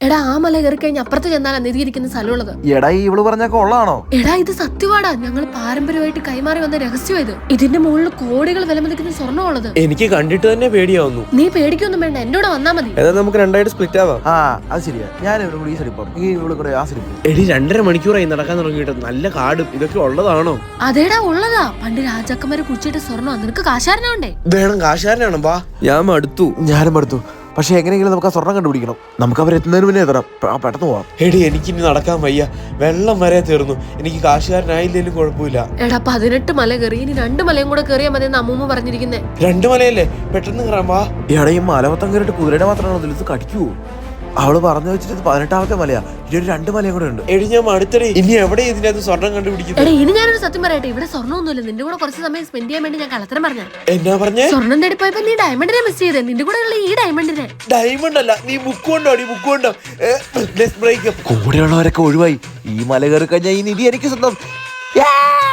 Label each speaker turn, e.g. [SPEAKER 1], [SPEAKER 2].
[SPEAKER 1] എടാ ആ മല കയറി കഴിഞ്ഞ് അപ്പുറത്ത് ചെന്നാലാ നിധി ഇരിക്കുന്ന സ്ഥലമുള്ളത്.
[SPEAKER 2] എടാ ഇവള് പറഞ്ഞൊക്കെ ഉള്ളതാണോ?
[SPEAKER 1] എടാ ഇത് സത്യവാടാ, ഞങ്ങൾ പാരമ്പര്യമായിട്ട് കൈമാറി വന്ന രഹസ്യം ഇത്. ഇതിന്റെ മുകളിൽ കോടികൾ വിലമതിക്കുന്ന സ്വർണ്ണമുള്ളത്.
[SPEAKER 3] എനിക്ക് കണ്ടിട്ട് തന്നെ പേടിയാവുന്നു.
[SPEAKER 1] നീ പേടിക്കൊന്നും വേണ്ട, എന്നോട് വന്നാ മതി.
[SPEAKER 3] എന്നാ നമുക്ക് രണ്ടായിട്ട് സ്പ്ലിറ്റ് ആവാം.
[SPEAKER 2] ആ അത് ശരിയാ, ഞാൻ ഇവിടെ കൂടി ഈ സൈഡിപ്പം ഈ ഇവിടെ കൂടെ ആ സൈഡിപ്പം.
[SPEAKER 3] എടി 2.5 മണിക്കൂറായി നടക്കാൻ തുടങ്ങിയിട്ട്. നല്ല കാടും ഇതൊക്കെ ഉള്ളതാണോ?
[SPEAKER 1] അതേടാ ഉള്ളതാ, പണ്ട് രാജാക്കന്മാര് കുടിച്ചിട്ട് സ്വർണ്ണം. നിനക്ക് കാശാരനാവണ്ടേ?
[SPEAKER 3] വേണം, കാശുകാരനാണ്. വാ, ഞാൻ മടുത്തു.
[SPEAKER 2] ഞാനും അടുത്തു. പക്ഷെ എങ്ങനെയെങ്കിലും നമുക്ക് ആ സ്വർണ്ണം കണ്ടുപിടിക്കണം. നമുക്ക് അവരെത്തുന്നതിന് മുന്നേ എത്തണം. പെട്ടെന്ന് പോവാം.
[SPEAKER 3] എടി എനിക്കിനി നടക്കാൻ വയ്യ, വെള്ളം വരെ തീർന്നു. എനിക്ക് കാശുകാരനായില്ലേലും കുഴപ്പമില്ല.
[SPEAKER 1] എടാ 18 മല കയറി, ഇനി 2 മലയും കൂടെ കയറിയാ മതി എന്ന് അമ്മൂമ്മ പറഞ്ഞിരിക്കുന്നേ.
[SPEAKER 3] 2 മലയല്ലേ, പെട്ടെന്ന് കയറാം. വാ.
[SPEAKER 2] എടാ ഈ മലമൊത്തം കയറിയിട്ട് കുതിരയുടെ മാത്രമാണോ ഇത് കടിക്കുവോ? അവള് പറഞ്ഞു വെച്ചിട്ട് 18ാമത്തെ മലയാ. ഇനി ഒരു 2 മലയും കൂടെ ഉണ്ട്.
[SPEAKER 3] എടി ഞാൻ മടുത്തടി. ഇനി എവിടെ ഇതിനകത്ത് സ്വർണം കണ്ടുപിടിക്കുന്നത്?
[SPEAKER 1] എടാ ഇനി ഞാനൊരു സത്യം പറയട്ടെ, ഇവിടെ സ്വർണ്ണമൊന്നുമില്ല. നിന്റെ കൂടെ കുറച്ച് സമയം സ്പെൻഡ് ചെയ്യാൻ വേണ്ടി ഞാൻ കള്ളത്തരം പറഞ്ഞ.
[SPEAKER 3] എന്നാ പറഞ്ഞേ?
[SPEAKER 1] സ്വർണ്ണം തേടിപ്പോയപ്പോ നീ ഡയമണ്ടിനെ മിസ് ചെയ്തേ. നിന്റെ കൂടെ ഉള്ള ഈ ഡയമണ്ടിനെ.
[SPEAKER 3] ഡയമണ്ട് അല്ല, നീ ബുക്ക് കൊണ്ടോ? ബുക്ക് കൊണ്ടോ?
[SPEAKER 2] കൂടെയുള്ളവരൊക്കെ ഒഴിവായി. ഈ മല കയറി കഴിഞ്ഞാൽ ഈ നിധി എനിക്ക് സ്വന്തം.